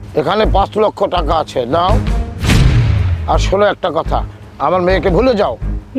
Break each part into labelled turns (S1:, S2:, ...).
S1: এখানে 5 লক্ষ টাকা আছে, নাও। আর শোনো একটা কথা, আমার মেয়েকে ভুলে যাও।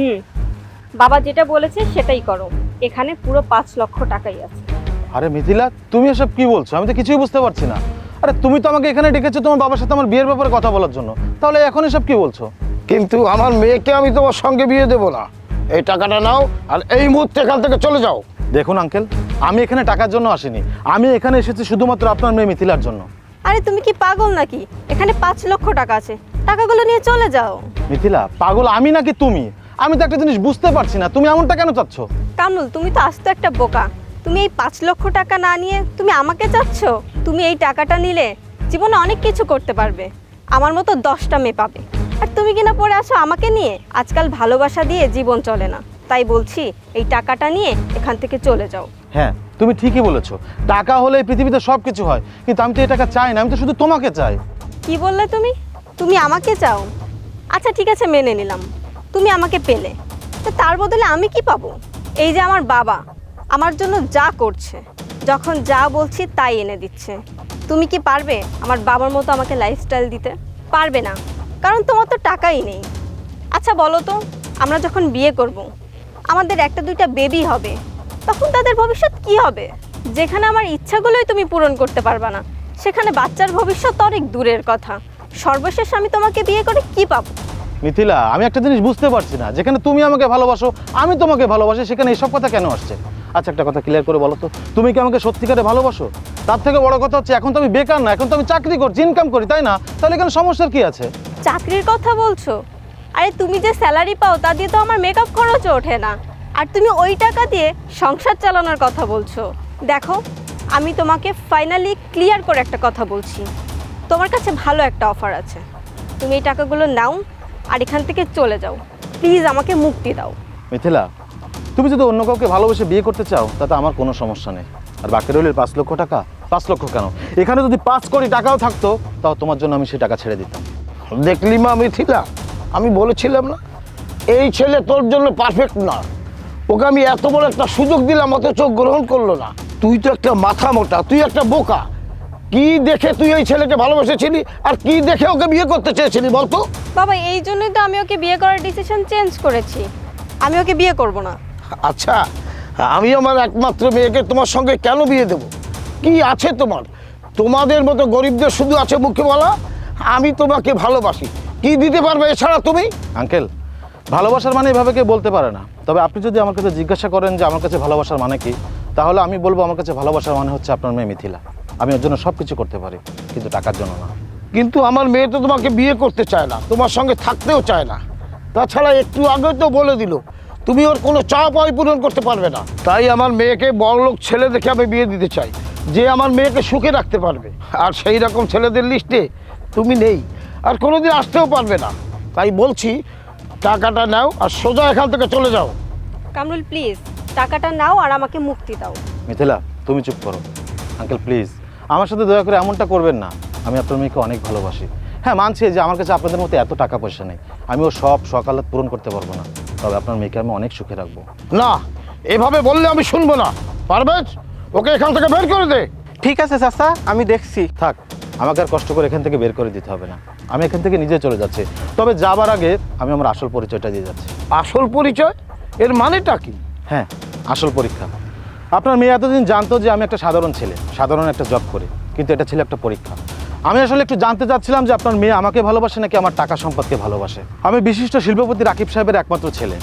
S2: বাবা যেটা বলেছে সেটাই করো। এখানে পুরো 5 লক্ষ টাকাই আছে।
S3: আরে মিথিলা, তুমি এসব কি বলছো? আমি তো কিছুই বুঝতে পারছি না। আরে তুমি তো আমাকে এখানে ডেকেছো তোমার বাবার সাথে আমার বিয়ের ব্যাপারে কথা বলার জন্য, তাহলে এখন এসব কি বলছো?
S1: কিন্তু আমার মেয়েকে আমি তোমার সঙ্গে বিয়ে দেবো না। এই টাকাটা নাও আর এই মুহূর্তে এখান থেকে চলে যাও।
S3: দেখুন আঙ্কেল, আমি এখানে টাকার জন্য আসিনি, আমি এখানে এসেছি শুধুমাত্র আপনার মেয়ে মিথিলার জন্য।
S2: আরে তুমি কি পাগল নাকি? এখানে 5 লক্ষ টাকা আছে, টাকাগুলো নিয়ে চলে যাও।
S3: মিথিলা, পাগল আমি নাকি তুমি? আমি তো একটা জিনিস বুঝতে পারছি না, তুমি এমনটা কেন চাচ্ছ?
S2: কামরুল, তুমি তো আস্ত একটা বোকা। তুমি এই 5 লক্ষ টাকা না নিয়ে তুমি আমাকে চাচ্ছ? তুমি এই টাকাটা নিলে জীবনে অনেক কিছু করতে পারবে, আমার মতো 10টা মেয়ে পাবে। আর তুমি কিনা পড়ে আছো আমাকে নিয়ে। আজকাল ভালোবাসা দিয়ে জীবন চলে না, তাই বলছি এই টাকাটা নিয়ে এখান থেকে চলে যাও।
S3: হ্যাঁ, তুমি ঠিকই বলেছো, টাকা হলে এই পৃথিবীতে সব কিছু হয়, কিন্তু আমি তো এই টাকা চাই না, আমি তো শুধু তোমাকে চাই।
S2: কি বললে তুমি? তুমি আমাকে চাও? আচ্ছা ঠিক আছে, মেনে নিলাম তুমি আমাকে পেলে, তো তার বদলে আমি কি পাবো? এই যে আমার বাবা আমার জন্য যা করছে, যখন যা বলছি তাই এনে দিচ্ছে। তুমি কি পারবে আমার বাবার মতো আমাকে লাইফস্টাইল দিতে? পারবে না, কারণ তোমার তো টাকাই নেই। আচ্ছা বলো তো, আমরা যখন বিয়ে করব, আমাদের একটা দুইটা বেবি হবে, তখন তাদের ভবিষ্যৎ কি হবে? যেখানে আমার ইচ্ছাগুলোই তুমি পূরণ করতে পারবে না, সেখানে বাচ্চার ভবিষ্যৎ অনেক দূরের কথা। সর্বশেষ আমি তোমাকে বিয়ে করে কি পাবো?
S3: মিথিলা, আমি একটা জিনিস বুঝতে পারছি না, যেখানে তুমি আমাকে ভালোবাসো, আমি তোমাকে ভালোবাসি, সেখানে এসব কথা কেন আসছে? আচ্ছা একটা কথা ক্লিয়ার করে বলো তো, তুমি কি আমাকে সত্যিকারে ভালোবাসো? তার থেকে বড় কথা হচ্ছে, এখন তো আমি বেকার না, এখন তো আমি চাকরি করছি, ইনকাম করি, তাই না? তাহলে এখানে সমস্যার কি আছে?
S2: চাকরির কথা বলছো? আরে তুমি যে স্যালারি পাও তা দিয়ে তো আমার মেকআপ খরচও ওঠে না, আর তুমি ওই টাকা দিয়ে সংসার চালানোর কথা বলছো। দেখো, আমি তোমাকে ফাইনালি ক্লিয়ার করে একটা কথা বলছি, তোমার কাছে ভালো একটা অফার আছে। তুমি এই টাকাগুলো নাও আর এখান থেকে চলে যাও। প্লিজ আমাকে মুক্তি দাও।
S3: মিথিলা, তুমি যদি অন্য কাউকে ভালোবেসে বিয়ে করতে চাও তাতে আমার কোনো সমস্যা নেই, আর বাকি রইল 5 লক্ষ টাকা। 5 লক্ষ কেন, এখানে যদি 5 কোটি টাকাও থাকতো তাও তোমার জন্য আমি সেই টাকা ছেড়ে দিতাম।
S1: দেখলি মা মিথিলা, আমি বলেছিলাম না এই ছেলে তোর জন্য পারফেক্ট না। ওকে আমি এত বড় একটা সুযোগ দিলাম, অথচ গ্রহণ করলো না। তুই তো একটা মাথা মোটা, তুই একটা বোকা। কি দেখে তুই এই ছেলেকে ভালোবেসেছিলি আর কি দেখে ওকে বিয়ে করতে চেয়েছিলি বলতো?
S2: বাবা, এই জন্যই তো আমি ওকে বিয়ে করার ডিসিশন চেঞ্জ করেছি। আমি ওকে বিয়ে করব না।
S1: আচ্ছা, আমি আমার একমাত্র মেয়েকে তোমার সঙ্গে কেন বিয়ে দেব? কি আছে তোমার? তোমাদের মতো গরিবদের শুধু আছে মুখে বলা আমি তোমাকে ভালোবাসি। কি দিতে পারবে এছাড়া তুমি?
S3: আঙ্কেল, ভালোবাসার মানে এভাবে কেউ বলতে পারে না। তবে আপনি যদি আমার কাছে জিজ্ঞাসা করেন যে আমার কাছে ভালোবাসার মানে কি, তাহলে আমি বলবো আমার কাছে ভালোবাসার মানে হচ্ছে আপনার মেয়ে মিথিলা। আমি ওর জন্য সব কিছু করতে পারি, কিন্তু টাকার জন্য না।
S1: কিন্তু আমার মেয়ে তো তোমাকে বিয়ে করতে চায় না, তোমার সঙ্গে থাকতেও চায় না। তাছাড়া একটু আগে তো বলে দিল তুমি ওর কোনো চাওয়া পাওয়াই পূরণ করতে পারবে না। তাই আমার মেয়েকে বড়লোক ছেলে দেখে আমি বিয়ে দিতে চাই, যে আমার মেয়েকে সুখে রাখতে পারবে। আর সেই রকম ছেলেদের লিস্টে তুমি নেই, আর কোনোদিন আসতেও পারবে না। তাই বলছি টাকাটা নাও আর সোজা এখান থেকে চলে যাও।
S2: কামরুল প্লিজ, টাকাটা নাও আর আমাকে মুক্তি দাও।
S3: মিথিলা, তুমি চুপ করো। আঙ্কেল প্লিজ, আমার সাথে দয়া করে এমনটা করবেন না। আমি আপনার মেয়েকে অনেক ভালোবাসি। হ্যাঁ, মানছি যে আমার কাছে আপনাদের মতো এত টাকা পয়সা নেই, আমি ও সব সকালাত পূরণ করতে পারবো না, তবে আপনার মেয়েকে আমি অনেক সুখে রাখবো।
S1: না, এভাবে বললে আমি শুনবো না। পারবেজ, ওকে এখান থেকে বের করে দে।
S4: ঠিক আছে চাচা, আমি দেখছি।
S3: থাক, আমাকে আর কষ্ট করে এখান থেকে বের করে দিতে হবে না, আমি এখান থেকে নিজে চলে যাচ্ছি। তবে যাবার আগে আমি আমার আসল পরিচয়টা দিয়ে যাচ্ছি।
S1: আসল পরিচয়? এর মানেটা কি?
S3: হ্যাঁ, আসল পরীক্ষা। আপনার মেয়ে এতদিন জানতো যে আমি একটা সাধারণ ছেলে, সাধারণ একটা জব করি, কিন্তু এটা ছিল একটা পরীক্ষা। আমি আসলে একটু জানতে চাচ্ছিলাম যে আপনার মেয়ে আমাকে ভালোবাসে নাকি আমার টাকা সম্পদকে ভালোবাসে। আমি বিশিষ্ট শিল্পপতি রাকিব সাহেবের একমাত্র ছেলে।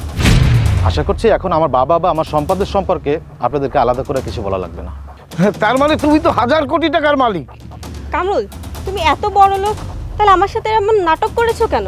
S3: আশা করছি এখন আমার বাবা বা আমার সম্পদের সম্পর্কে আপনাদেরকে আলাদা করে কিছু বলা লাগবে না।
S1: তার মানে তুমি তো 1000 কোটি টাকার মালিক।
S2: কামরুল, তুমি এত বড় লোক, তাহলে আমার সাথে এমন নাটক করেছো কেন?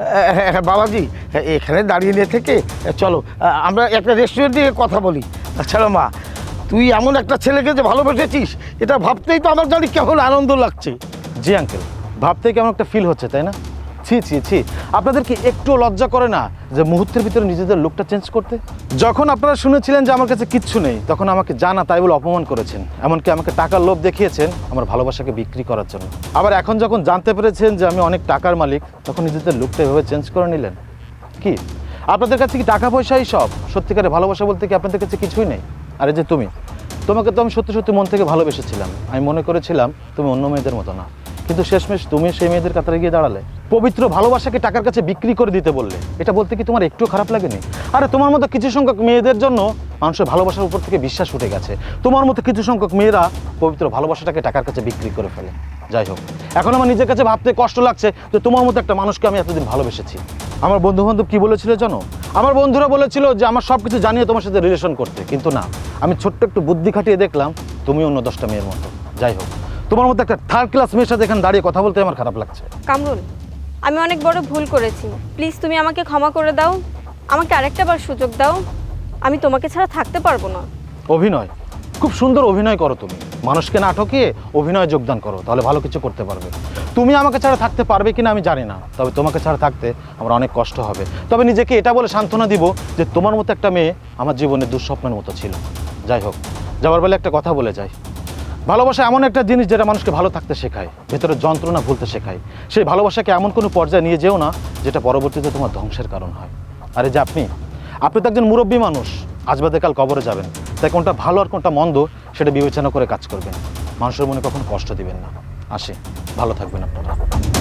S1: বাবাজি, এখানে দাঁড়িয়ে নিয়ে থেকে চলো আমরা একটা রেস্টুরেন্টে কথা বলি। তাছাড়া মা, তুই এমন একটা ছেলেকে যে ভালোবেসেছিস, এটা ভাবতেই তো আমার জানি কেমন আনন্দ লাগছে।
S3: জি আঙ্কেল, ভাবতে কেমন একটা ফিল হচ্ছে, তাই না? ছি ছি ছি, আপনাদের কি একটু লজ্জা করে না যে মুহূর্তের ভিতরে নিজেদের লুকটা চেঞ্জ করতে? যখন আপনারা শুনেছিলেন যে আমার কাছে কিচ্ছু নেই, তখন আমাকে জানা তাই বলে অপমান করেছেন, এমনকি আমাকে টাকার লোভ দেখিয়েছেন আমার ভালোবাসাকে বিক্রি করার জন্য। আবার এখন যখন জানতে পেরেছেন যে আমি অনেক টাকার মালিক, তখন নিজেদের লুকটা এভাবে চেঞ্জ করে নিলেন। কি আপনাদের কাছে কি টাকা পয়সাই সব? সত্যিকারে ভালোবাসা বলতে কি আপনাদের কাছে কিছুই নেই? আরে যে তোমাকে তো আমি সত্যি সত্যি মন থেকে ভালোবেসেছিলাম। আমি মনে করেছিলাম তুমি অন্য মেয়েদের মতো না, কিন্তু শেষমেশ তুমি সেই মেয়েদের কাতারে গিয়ে দাঁড়ালে। পবিত্র ভালোবাসাকে টাকার কাছে বিক্রি করে দিতে বললে, এটা বলতে কি তোমার একটু খারাপ লাগেনি? আরে তোমার মতো কিছু সংখ্যক মেয়েদের জন্য মানুষের ভালোবাসার উপর থেকে বিশ্বাস উঠে গেছে। তোমার মতো কিছু সংখ্যক মেয়েরা পবিত্র ভালোবাসাটাকে টাকার কাছে বিক্রি করে ফেলে। যাই হোক, এখন আমার নিজের কাছে ভাবতে কষ্ট লাগছে যে তোমার মতো একটা মানুষকে আমি এতদিন ভালোবেসেছি। আমার বন্ধু বান্ধব কি বলেছিল জানো? আমার বন্ধুরা বলেছিল যে আমার সব কিছু জানিয়ে তোমার সাথে রিলেশন করতে, কিন্তু না, আমি ছোট্ট একটু বুদ্ধি খাটিয়ে দেখলাম তুমি অন্য 10টা মেয়ের মতো। যাই হোক, তোমার মতো একটা থার্ড ক্লাস মেয়ের সাথে এখানে দাঁড়িয়ে কথা বলতে আমার খারাপ লাগছে।
S2: কামরুল, আমি অনেক বড় ভুল করেছি, প্লিজ তুমি আমাকে ক্ষমা করে দাও, আমাকে আরেকটা বার সুযোগ দাও, আমি তোমাকে ছাড়া থাকতে পারবো না।
S3: অভিনয়, খুব সুন্দর অভিনয় করো তুমি। মানুষকে না ঠকিয়ে অভিনয়ে যোগদান করো, তাহলে ভালো কিছু করতে পারবে। তুমি আমাকে ছাড়া থাকতে পারবে কিনা আমি জানি না, তবে তোমাকে ছাড়া থাকতে আমার অনেক কষ্ট হবে। তবে নিজেকে এটা বলে সান্ত্বনা দিব যে তোমার মতো একটা মেয়ে আমার জীবনে দুঃস্বপ্নের মতো ছিল। যাই হোক, যাওয়ার বেলা একটা কথা বলে যাই, ভালোবাসা এমন একটা জিনিস যেটা মানুষকে ভালো থাকতে শেখায়, ভেতরে যন্ত্রণা ভুলতে শেখায়। সেই ভালোবাসাকে এমন কোনো পর্যায়ে নিয়ে যেও না যেটা পরবর্তীতে তোমার ধ্বংসের কারণ হয়। আরে যে আপনি তো একজন মুরব্বী মানুষ, আজ বাদে কাল কবরে যাবেন, তাই কোনটা ভালো আর কোনটা মন্দ সেটা বিবেচনা করে কাজ করবেন। মানুষের মনে কখনো কষ্ট দিবেন না। আসি, ভালো থাকবেন আপনারা।